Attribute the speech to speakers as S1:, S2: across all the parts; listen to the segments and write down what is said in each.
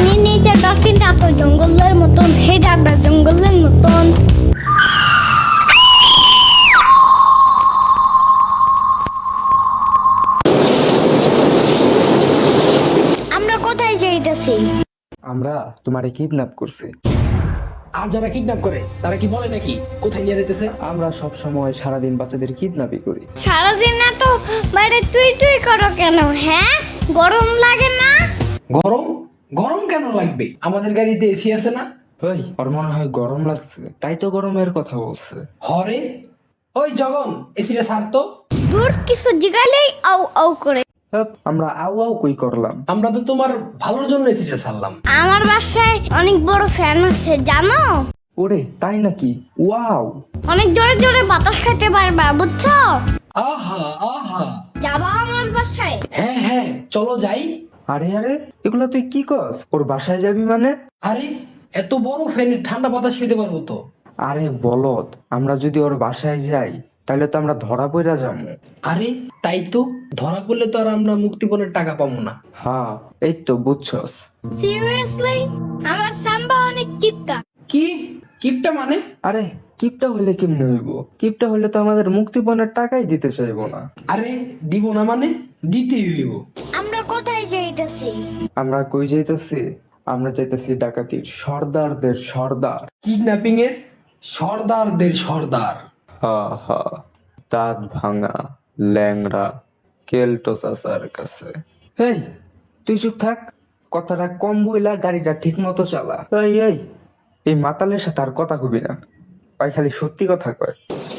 S1: পানির নিচে ডলফিনটা তো জঙ্গলের মতন, হে দাদা জঙ্গলের মতন। আমরা কোথায় যাইতেছি?
S2: আমরা তোমারে কিডন্যাপ করছি।
S3: আর যারা কিডন্যাপ করে তারা কি বলে নাকি কোথায় নিয়ে যেতেছে?
S2: আমরা সব সময় সারাদিন বাচ্চাদের কিডন্যাপই করি।
S1: সারাদিন না তো বাইরে তুই তুই করো কেন? হ্যাঁ, গরম লাগে না?
S3: গরম? গরম কেন লাগবে? আমাদের গাড়িতে এসি আছে না?
S2: ওই ওর মনে হয় গরম লাগছে, তাই তো গরমের কথা বলছে।
S3: হরে ওই জগন, এসিটা ছাড় তো।
S1: দূর কিছু জিগালেই আউ আউ করে।
S2: হ্যাপ, আমরা আউ আউ কই করলাম?
S3: আমরা তো তোমার ভালোর জন্য এসিটা ছাড়লাম।
S1: আমার বাসায় অনেক বড় ফ্যান আছে জানো?
S2: ওরে তাই নাকি? ওয়াও!
S1: অনেক জোরে জোরে বাতাস খেতে পারবা, বুঝছো?
S3: আহা আহা।
S1: যাবা আমার বাসায়?
S3: হ্যাঁ হ্যাঁ, চলো যাই।
S2: আরে আরে, এগুলা তুই কি কস? ওর বাসায় যাবি মানে?
S3: আরে এত বড় ফ্যানে ঠান্ডা বাতাস খেতে পারবো তো?
S2: আরে বলদ, আমরা যদি ওর বাসায় যাই তাহলে তো আমরা ধরা পড়া যাবো।
S3: আরে তাই তো, ধরা পড়লে তো আর আমরা মুক্তিপণের টাকা পাবো না।
S2: হ্যাঁ, এই তো বুঝছস।
S1: সিরিয়াসলি আমার সাম্বা অনেক কিপটা।
S3: কি কিপটা মানে?
S2: আরে কিপটা হলে কেমনে হইব? কিপটা হলে তো আমাদের মুক্তিপণের টাকাই দিতে চাইবো না।
S3: আরে দিব না মানে দিতেই হইব।
S1: আমরা কোথায় যাইতেছি?
S2: আমরা কই যাইতেছি? আমরা যাইতেছি ডাকাতির সর্দারদের সর্দার।
S3: কিডন্যাপিং এর সর্দারদের সর্দার।
S2: হা হা, দাঁত ভাঙা ল্যাংড়া কেলটো চাচার কাছে। এই তুই চুপ থাক, কথাটা কম বইলা গাড়িটা ঠিক মতো চালা। এই এই, এই মাতালের সাথে আর কথা কবি না, ওই খালি সত্যি কথা কয়।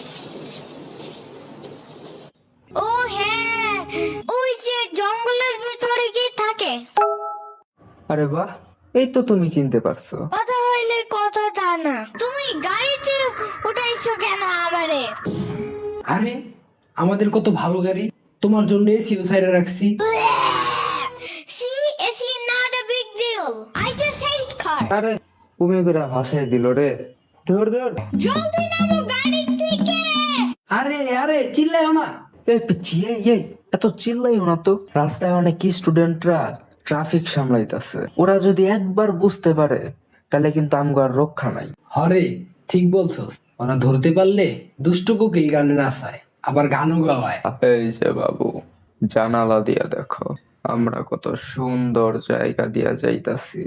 S1: ও হ্যাঁ, ওই যে জঙ্গলের ভিতরে কি থাকে?
S2: আরে বাহ, এই তো তুমি চিনতে পারছো।
S1: কথা হইলে কথা তা না, তুমি গাড়িতে উঠাইছো কেন আবারে?
S3: আরে আমাদের কত ভালো গাড়ি, তোমার জন্য এসিও সাইডে রাখছি।
S1: She is not a big deal, I just hate car.
S2: আরে তুমি করে ভাসায় দিল রে। ধর ধর।
S1: জলদি নামো গাড়ি থেকে।
S3: আরে আরে চিল্লাইও না।
S2: এই পিচ্ছি, এই এত চিল্লাইও না তো। রাস্তায় অনেক স্টুডেন্টরা ট্রাফিক সামলাইতেছে, ওরা যদি একবার বুঝতে পারে তাহলে কিন্তু আমগো আর রক্ষা নাই।
S3: হরে ঠিক বলছস, ওরা ধরতে পারলে দুষ্টু কোকিল গানে নাচায়, আবার গানও গাওয়ায়।
S2: এই যে বাবু, জানালা দিয়া দেখো আমরা কত সুন্দর জায়গা দিয়া যাইতাছি।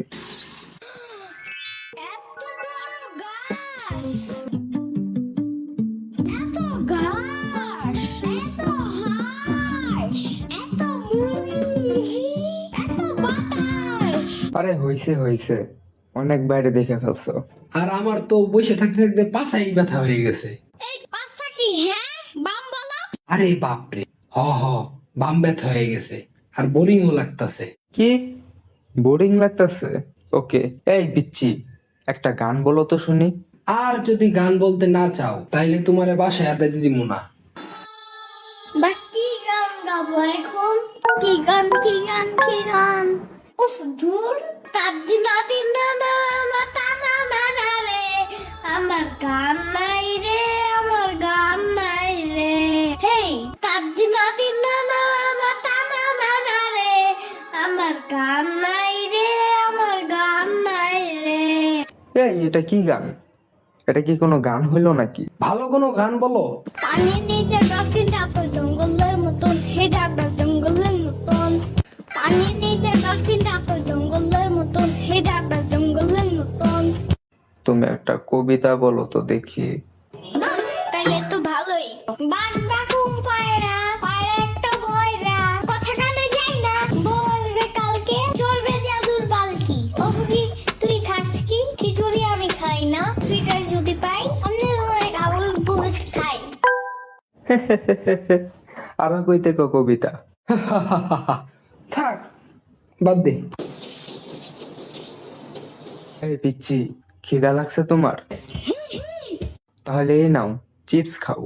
S1: এত বড় গাছ, এত ঘাস, এত হাঁস, এত মুরগি, এত বাতাস।
S2: আরে হইছে হইছে, অনেক বাইরে দেখে ফেলছো।
S3: আর আমার তো বসে থাকতে থাকতে পাছাই ব্যথা হয়ে গেছে।
S1: এই পাশা কি? হ্যাঁ, বাম বলো।
S3: আরে বাপরে, হ বাম ব্যথা হয়ে গেছে, আর বোরিংও লাগতাছে।
S2: কি বোরিং লাগতাছে? ওকে, এই পিচ্ছি একটা গান বলো তো শুনি।
S3: আর যদি গান বলতে না চাও তাইলে তোমার বাসায় আর দিদি না।
S1: বা কি গান গাবো এখন? কি গান কি গান কি গান? উফ ধুর, তাদি নাদি না না মাতা না না না রে, আমার গান নাই রে, আমার গান নাই রে। হেই তাদি নাদি না না মাতা না না না রে, আমার গান নাই রে, আমার গান নাই রে।
S2: এই এটা কি গান? এটা কি কোনো গান হইলো নাকি?
S3: ভালো কোনো গান বলো।
S1: পানির নিচে ডলফিনটা তো জঙ্গলের মতন, হে দাদা জঙ্গলের মতন। পানির নিচে ডলফিনটা তো জঙ্গলের মতন, হে দাদা জঙ্গলের মতন।
S2: তুমি একটা কবিতা বলো তো দেখি।
S1: বাহ, তাইলে তো ভালোই। বাস বাকুম পায়রা, পায়রা একটা বয়রা, কথা কানে যায় না, বলবে কালকে চলবে জাদুর পালকি। ও বুঝি তুই খাস কি? খিচুড়ি আমি খাই না, ফিটার যদি পাই অন্য অনেক আবুল ভুল খাই।
S2: আরো কইতে কো কবিতা।
S3: থাক, বাদ দে।
S2: এই পিচ্ছি, খিদা লাগছে তোমার? তাহলে এই নাও, চিপস খাও।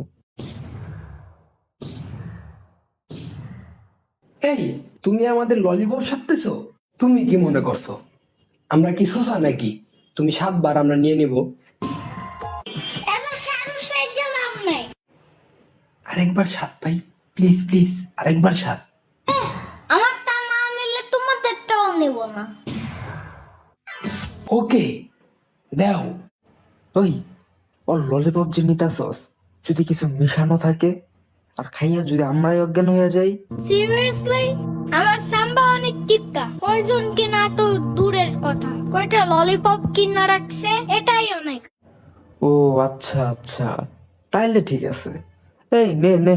S3: এই তুমি আমাদের ললিপপ সাজতেছো? তুমি কি মনে করছো আমরা কি সোসা নাকি তুমি 7 বার আমরা নিয়ে নিব?
S1: এবার সারু সাইজ লাভ নাই।
S3: আরেকবার স্বাদ পাই, প্লিজ প্লিজ, আরেকবার স্বাদ।
S1: আমার তা না নিলে তোমাদেরটাও নেব না।
S3: ওকে দাও।
S2: ওই ওর ললিপপ যে নিতাছস যদি কিছু মিশানো থাকে আর খাইয়া যদি আমরাই অজ্ঞান হয়ে যাই?
S1: সিরিয়াসলি আমার সাম্বা অনেক টিপকা, পয়জন কিনা তো দূরের কথা, কয়টা ললিপপ কিনা রাখছে এটাই অনেক।
S2: ও আচ্ছা আচ্ছা, তাইলে ঠিক আছে। এই নে নে।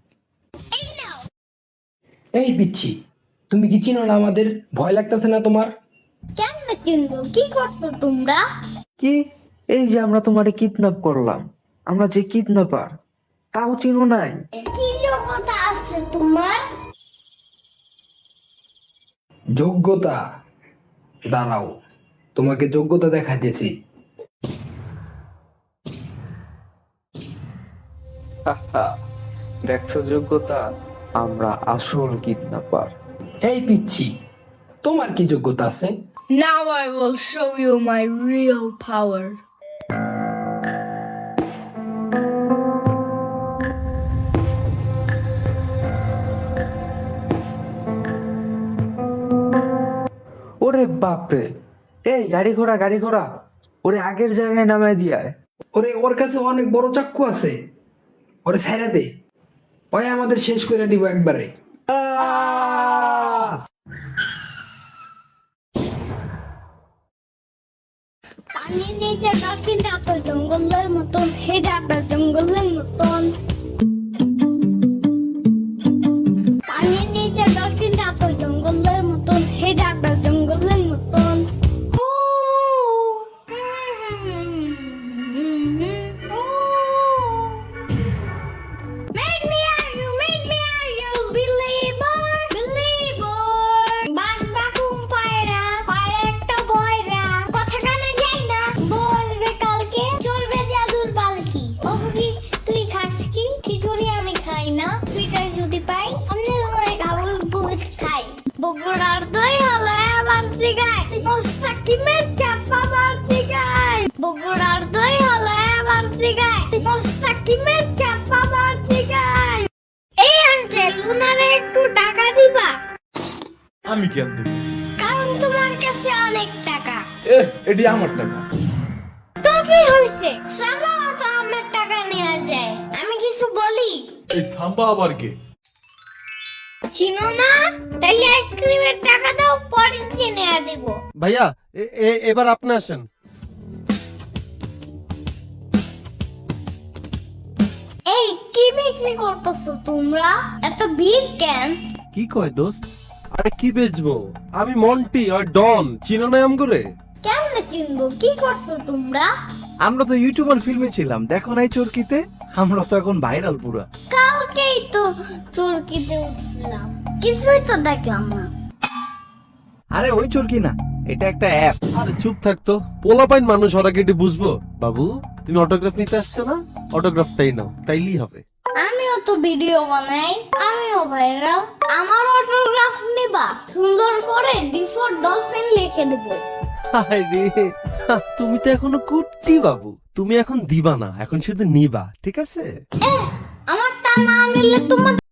S3: এই পিচ্ছি, তুমি কি চিনো না আমাদের? ভয় লাগতেছে না তোমার?
S1: কেমনে চিনবো? কি করছো তোমরা?
S2: কি? এই যে আমরা তোমারে কিডন্যাপ করলাম, আমরা যে কিডন্যাপার, তাও চিনো নাই?
S1: কি যোগ্যতা আছে তোমার?
S3: যোগ্যতা? দাঁড়াও, তোমাকে যোগ্যতা দেখাইতেছি।
S2: দেখছো যোগ্যতা? আমরা আসল কিডন্যাপার।
S3: এই পিচ্ছি, তোমার কি যোগ্যতা আছে?
S1: Now I will show you my real power.
S2: ওরে বাপরে, এই গাড়ি ঘোড়া গাড়ি ঘোড়া, ওরে আগের জায়গায় নামায় দিয়ায়।
S3: ওরে ওর কাছে অনেক বড় চাক্কু আছে, ওরে ছাইরা দে, ওই আমাদের শেষ করে দিব একবারে।
S1: পানির নিচে ডলফিনটা তো জঙ্গলের মতন, হেডাটা জঙ্গলের মতন। পানির নিচে ডলফিনটা তো জঙ্গলের মতন, হেডাটা জঙ্গলের মতন। ও, ও। Make me are you believer, believer. বাস বাকুম পায়রা, পায়রা একটা বয়রা, কথা কানে যায় না, বলবে কালকে চলবে জাদুর পালকি। ও বুবি, তুই খাস কি? খিচুড়ি আমি খাই না, সুইটার যদি পাই আমি ধরে গাবল বহুত খাই। বগুড়ার দই হলে আবার দিগায়, মোস্তাকিমের চাপা বাড়তি গায়। বগুড়ার দই হলে আবার দিগায়, মোস্তাকিমের চাপা বাড়তি গায়। এই আঙ্কেল, উনারে একটু টাকা দিবা?
S4: আমি কেন দেব?
S1: কারণ তোমার কাছে অনেক টাকা।
S4: এটি আমার টাকা।
S1: তো কি হয়েছে? সামা তো আমার টাকা নেওয়া যায়, আমি কিছু বলি?
S4: এই সাম্বা আবার কে?
S1: চিনো না? তাইলে আইসক্রিমের টাকা দাও, পরে কিনে দেব।
S5: ভাইয়া এবার আপনি আসেন।
S1: এই কি বিক্রি করতেছো তোমরা? এত ভিড় কেন?
S5: কি কয় দোস্ত? আরে কি বেচবো? আমি মন্টি আর ডন, চিনো না আমগরে?
S1: কেমনে চিনবো? কি করছো তোমরা?
S6: আমরা তো ইউটিউবার ফিল্মে ছিলাম, দেখো নাই চরকিতে? আমরা তো এখন ভাইরাল পুরা।
S1: কালকেই তো চরকিতে উঠছিলাম, কিছুই তো দেখলাম না।
S6: আরে ওই চরকি না, এটা একটা অ্যাপ।
S5: আরে চুপ থাকতো, পোলাপাইন মানুষ, ওরা কেটে বুঝবো। বাবু তুমি অটোগ্রাফ নিতে আসছো না? অটোগ্রাফটাই নাও, তাইলেই হবে।
S1: আমিও তো ভিডিও বানাই, আমিও ভাইরাল, আমার অটোগ্রাফ নিবা? সুন্দর করে ডিফর ডলফিন লিখে দেবো।
S5: হায় রে, তুমি তো এখনো কুট্টি বাবু, তুমি এখন দিবা না, এখন শুধু নিবা, ঠিক আছে?
S1: আমার তা না নিলে তোমার